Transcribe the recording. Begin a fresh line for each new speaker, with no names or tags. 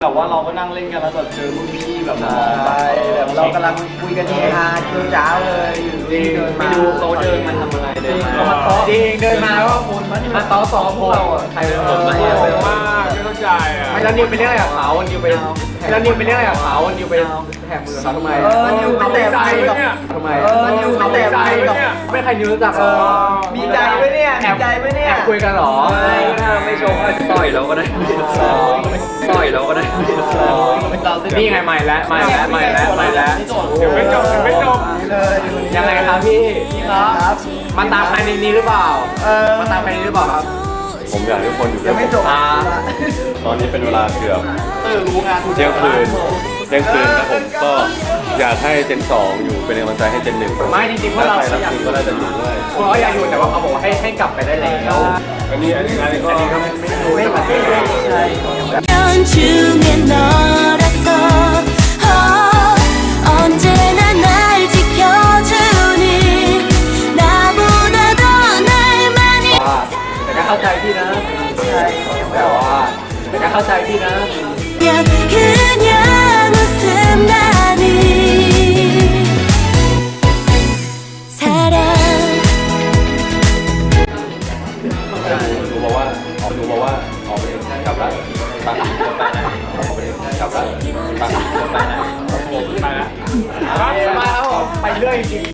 แบบว่าเราก็นั่งเล่นกันแล้วแบบเจอรุ่นพี่แบบน้องแบบ
เรากำลังคุยกันเฮฮาจ้าเลยอยู่ดีเดิน
ไม่
มา
ดูเขาเดินมาทำอะไรเดินมา
จริงเดินมาว่าคนมาต่อสองพวกเราอ่ะใครเป็นคนมาเนี่ย
มากไม่เข้าใจอ่ะ
ไม่แล้วนิวไปเรียกอะไรกับเขานิวไปแล้วนิวไปเรียกอะไรกับเขานิวไปแถมมือเขาทำไมนิวไปแตะมือกับทำไมนิวไปแตะมือกับไม่ใครนิวรู้จักหรอมีใจไหมเนี่ยมีใจไหมเนี่ยแอบคุยกันหรอ
ไม่ชมก็ต่อยเราก็ได้ต่อยเราก็ได้
นี่ไงใหม่แล้วใหม่แล้วใหม่แล้วใหม่แล้ว
เดี๋ยวไม่จบเดี๋ยวไม่จบ
ยังไงครับพี่ครับมาตามใครในนี้หรือเปล่ามาตามใครในนี้หรือเปล่าครับ
ผมอยากให้ทุกคนอยู่
ยังไม่จบ
ตอนนี้เป็นเวลาเกือบ
รู้งาน
เที่ยงคืนครับผมก็อยากให้เจน2อยู่เป็นกำลังใจให้เจน1
ไม่จริงๆพวกเรา
ถ้าใครรักจริงก็น่าจะอยู่ด้วย
พวกเราอยากอยู่แต่ว่าเขาบอกว่าให้กลับไปได้แล้ว
อันนี้ก็
ไม่ผ่านใช่
면 중에 너라서 언제나 날 지켜주니 나보다 더 날 많이
ว่าแต่ก็เข้าใจพี่นะใช่แต่ว่าแต่ก็เข้าใจพี่นะ
그냥 웃음 나니 사랑
ดูมาว่าออกไปกลับแล้วตัดออกไปกลับแล้วตัด
ไปแล้ว
ไปครับผมไปเรื่อยจริง